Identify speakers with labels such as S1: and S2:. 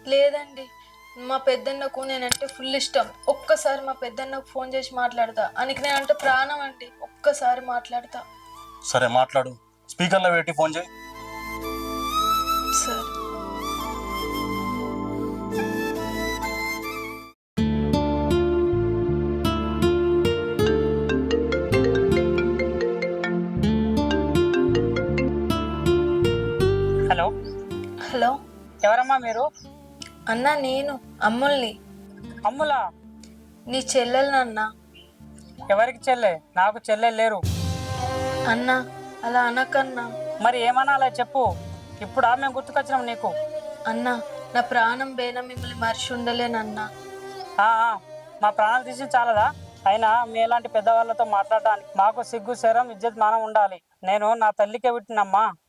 S1: లేదండి. మా పెద్దన్నకు నేనంటే ఫుల్ ఇష్టం. ఒక్కసారి మా పెద్దన్నకు ఫోన్ చేసి మాట్లాడతా. ఆయనకి నేనంటే ప్రాణం అండి. ఒక్కసారి మాట్లాడతా.
S2: సరే మాట్లాడు. స్పీకర్లో పెట్టి ఫోన్ చేయి.
S1: సరే.
S3: హలో,
S1: హలో
S3: ఎవరమ్మా మీరు?
S1: అన్నా, నేను అమ్ముల్ని.
S3: అమ్ములా?
S1: నీ చెల్లెలనన్నా.
S3: ఎవరికి చెల్లె? నాకు చెల్లె లేరు.
S1: అన్నా, అలా అనకన్నా.
S3: మరి ఏమనాలో చెప్పు. ఇప్పుడు ఆమె గుర్తుకొచ్చినాం నీకు.
S1: అన్నా, నా ప్రాణం బేన మిమ్మల్ని మర్చి ఉండలేనన్నా.
S3: ఆ, మా ప్రాణాలు తీసి చాలదా? అయినా మీ ఎలాంటి పెద్దవాళ్ళతో మాట్లాడడానికి మాకు సిగ్గు శరం ఇజ్జత్ మానం ఉండాలి. నేను నా తల్లికే పుట్టినమ్మా.